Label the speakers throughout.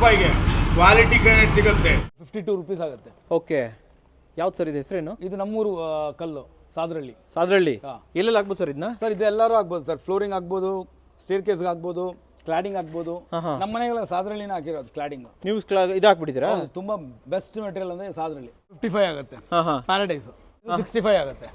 Speaker 1: ರೂಪಾಯಿಗೆ quality granite ಸಿಗುತ್ತೆ. 52 rupees ಆಗುತ್ತೆ.
Speaker 2: ಓಕೆ, ಯಾವ್ದು ಸರ್ ಇದು ಹೆಸರೇನು?
Speaker 1: ಇದು ನಮ್ಮೂರು ಕಲ್ಲು ಸಾದ್ರಳ್ಳಿ.
Speaker 2: ಸಾದ್ರಳ್ಳಿ ಎಲ್ಲೆಲ್ಲ ಆಗ್ಬೋದು ಸರ್ ಇದನ್ನ?
Speaker 1: ಸರ್ ಇದು ಎಲ್ಲರೂ ಆಗ್ಬೋದು ಸರ್. ಫ್ಲೋರಿಂಗ್ ಆಗ್ಬೋದು, ಸ್ಟೇರ್ ಕೇಸ್ ಆಗ್ಬೋದು, ಕ್ಲಾಡಿಂಗ್ ಆಗ್ಬೋದು. ನಮ್ಮ ಮನೆಗೆಲ್ಲ ಸಾದ್ರಳ್ಳಿನ ಹಾಕಿರೋದು ಕ್ಲಾಡಿಂಗ್.
Speaker 2: ನೀವು ಇದು ಹಾಕ್ಬಿಟ್ಟಿದ್ದೀರಾ?
Speaker 1: ತುಂಬಾ ಬೆಸ್ಟ್ ಮೆಟೀರಿಯಲ್ ಅಂದ್ರೆ ಸಾದ್ರಳ್ಳಿ. 55 ಆಗುತ್ತೆ. ಪ್ಯಾರಡೈಸ್ 65 ಆಗುತ್ತೆ.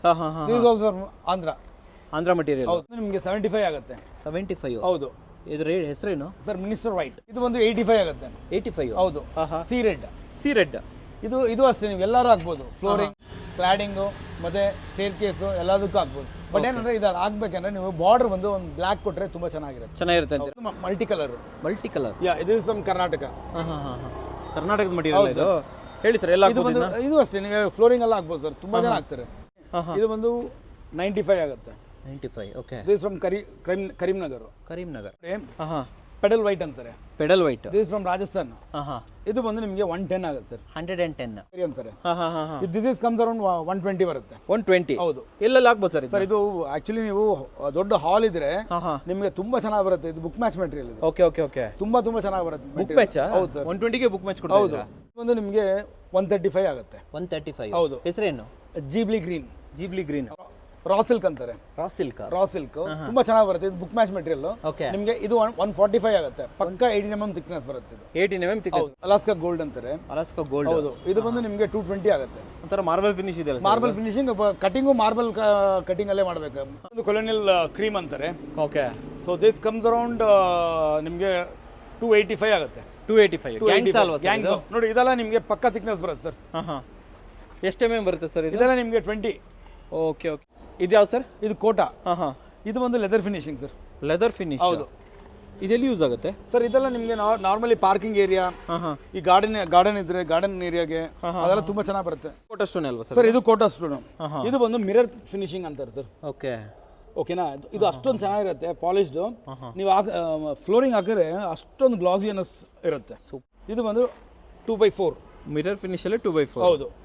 Speaker 2: ಆಂಧ್ರ ಮಟೀರಿಯಲ್.
Speaker 1: ಹೌದು, ನಿಮಗೆ 75 ಆಗುತ್ತೆ.
Speaker 2: 75.
Speaker 1: ಹೌದು.
Speaker 2: ಇದು ರೇಟ್ ಹೆಸರೇನು
Speaker 1: ಸರ್? Minister white. ಇದು ಒಂದು 85 ಆಗುತ್ತೆ.
Speaker 2: 85.
Speaker 1: ಹೌದು. C red.
Speaker 2: ಸಿ ರೆಡ್
Speaker 1: ಇದು ಅಷ್ಟೇ, ನೀವು ಎಲ್ಲರೂ ಹಾಕ್ಬೋದು. ಫ್ಲೋರಿಂಗ್, ಕ್ಲಾಡಿಂಗು ಮತ್ತೆ ಸ್ಟೇರ್ ಕೇಸು ಎಲ್ಲದಕ್ಕೂ ಹಾಕ್ಬೋದು. ಬಟ್ ಏನಂದ್ರೆ ಇದು ಆಗ್ಬೇಕಂದ್ರೆ ನೀವು ಬಾರ್ಡರ್ ಬಂದು ಒಂದು ಬ್ಲಾಕ್ ಕೊಟ್ರೆ ತುಂಬಾ ಚೆನ್ನಾಗಿರುತ್ತೆ. Multi colour. ಇದು ನಮ್ಮ ಕರ್ನಾಟಕ.
Speaker 2: ಕರ್ನಾಟಕದ ಮಟೀರಿಯಲ್ ಇದು. ಹೇಳಿ ಸರ್, ಎಲ್ಲ
Speaker 1: ಇದು ಅಷ್ಟೇ, ನೀವು ಫ್ಲೋರಿಂಗ್ ಎಲ್ಲ ಹಾಕ್ಬೋದು ಸರ್. ತುಂಬಾ ಜನ ಹಾಕ್ತಾರೆ. ಇದು ಬಂದು 95 ಆಗುತ್ತೆ.
Speaker 2: 95. Okay.
Speaker 1: This from Karimnagar. Pedal white ಅಂತಾರೆ.
Speaker 2: Pedal white.
Speaker 1: This from Rajasthan. ಇದು ಬಂದು ನಿಮಗೆ 110 ಆಗುತ್ತೆ ಸರ್.
Speaker 2: 110
Speaker 1: ಅಂತಾರೆ. ದಿಸ್ ಇಸ್ ಕಮ್ಸ್ ಅರೌಂಡ್ 120 ಬರುತ್ತೆ.
Speaker 2: 120.
Speaker 1: ಹೌದು.
Speaker 2: ಎಲ್ಲೆಲ್ಲ ಹಾಕ್ಬೋದು ಸರ್?
Speaker 1: ಸರ್ ಇದು ಆಕ್ಚುಲಿ ನೀವು ದೊಡ್ಡ ಹಾಲ್ ಇದ್ರೆ ನಿಮಗೆ ತುಂಬಾ ಚೆನ್ನಾಗಿ ಬರುತ್ತೆ. ಇದು ಬುಕ್ ಮ್ಯಾಚ್ ಮೆಟೀರಿಯಲ್ ಇದು.
Speaker 2: ಓಕೆ.
Speaker 1: ತುಂಬಾ ಚೆನ್ನಾಗಿ ಬರುತ್ತೆ.
Speaker 2: Book match? ಹೌದು ಸರ್. 120 ಗೆ ಬುಕ್ ಮ್ಯಾಚ್ ಕೊಡ್ತಾರೆ.
Speaker 1: ಹೌದು. ಒಂದು ನಿಮಗೆ 135 ಆಗುತ್ತೆ.
Speaker 2: 135.
Speaker 1: ಹೌದು.
Speaker 2: ಹೆಸರೇನು?
Speaker 1: ಜೀಬ್ಲಿ ಗ್ರೀನ್. ರಾ ಸಿಲ್ಕ್ ಅಂತಾರೆ. ರಾ ಸಿಲ್ಕ್ ತುಂಬಾ ಚೆನ್ನಾಗಿ ಬರುತ್ತೆ. ಇದು ಬುಕ್ ಮ್ಯಾಚ್ ಮೆಟೀರಿಯಲ್. ನಿಮಗೆ ಇದು 145 ಆಗುತ್ತೆ. ಪಕ್ಕ 18 mm ಥಿಕ್ನೆಸ್ ಬರುತ್ತೆ. ಇದು
Speaker 2: 18 mm ಥಿಕ್ನೆಸ್.
Speaker 1: ಅಲಾಸ್ಕಾ ಗೋಲ್ಡ್ ಅಂತಾರೆ. ಹೌದು. ಇದು ಬಂದು ನಿಮಗೆ 220 ಆಗುತ್ತೆ.
Speaker 2: ಒಂಥರ ಮಾರ್ಬಲ್ ಫಿನಿಶ್ ಇದೆ.
Speaker 1: Marble finishing, cutting marble cutting ಅಲ್ಲೇ ಮಾಡಬೇಕು. ಒಂದು ಕೊಲೋನಿಯಲ್ ಕ್ರೀಮ್ ಅಂತಾರೆ.
Speaker 2: Okay. So
Speaker 1: this comes around ನಿಮಗೆ 285 ಆಗುತ್ತೆ.
Speaker 2: 285.
Speaker 1: ನೋಡಿ, ಇದೆಲ್ಲ ನಿಮಗೆ ಪಕ್ಕ ಥಿಕ್ನೆಸ್ ಬರುತ್ತೆ ಸರ್.
Speaker 2: ಎಷ್ಟು mm ಬರುತ್ತೆ ಸರ್?
Speaker 1: ಇದೆಲ್ಲ ನಿಮಗೆ 20.
Speaker 2: ಓಕೆ. ಇದು ಯಾವ್ದು ಸರ್?
Speaker 1: ಇದು ಕೋಟಾ. ಇದು ಒಂದು leather finishing sir.
Speaker 2: Leather finish. ಹೌದು. ಇದೆಲ್ಲಿ ಯೂಸ್ ಆಗುತ್ತೆ
Speaker 1: ಸರ್? ಇದೆಲ್ಲ ನಿಮಗೆ ನಾರ್ಮಲಿ ಪಾರ್ಕಿಂಗ್ ಏರಿಯಾ, ಈ ಗಾರ್ಡನ್ ಇದ್ರೆ ಗಾರ್ಡನ್ ಏರಿಯಾಗೆ ಅದೆಲ್ಲ ತುಂಬಾ ಚೆನ್ನಾಗಿ ಬರುತ್ತೆ.
Speaker 2: ಕೋಟಾ ಸ್ಟೋನ್ ಅಲ್ವಾ
Speaker 1: ಸರ್? ಇದು ಕೋಟಾ ಸ್ಟೋನ್. ಇದು ಬಂದು ಮಿರರ್ ಫಿನಿಶಿಂಗ್ ಅಂತಾರೆ ಸರ್. ಓಕೆನಾ? ಇದು ಅಷ್ಟೊಂದು ಚೆನ್ನಾಗಿರುತ್ತೆ, ಪಾಲಿಶ್ಡ್. ನೀವು ಫ್ಲೋರಿಂಗ್ ಹಾಕಿದ್ರೆ ಅಷ್ಟೊಂದು ಗ್ಲಾಸಿನೆಸ್ ಇರುತ್ತೆ. ಇದು ಬಂದು 2x4
Speaker 2: ಮಿರರ್ ಫಿನಿಶ್ ಅಲ್ಲಿ 2x4.
Speaker 1: ಹೌದು.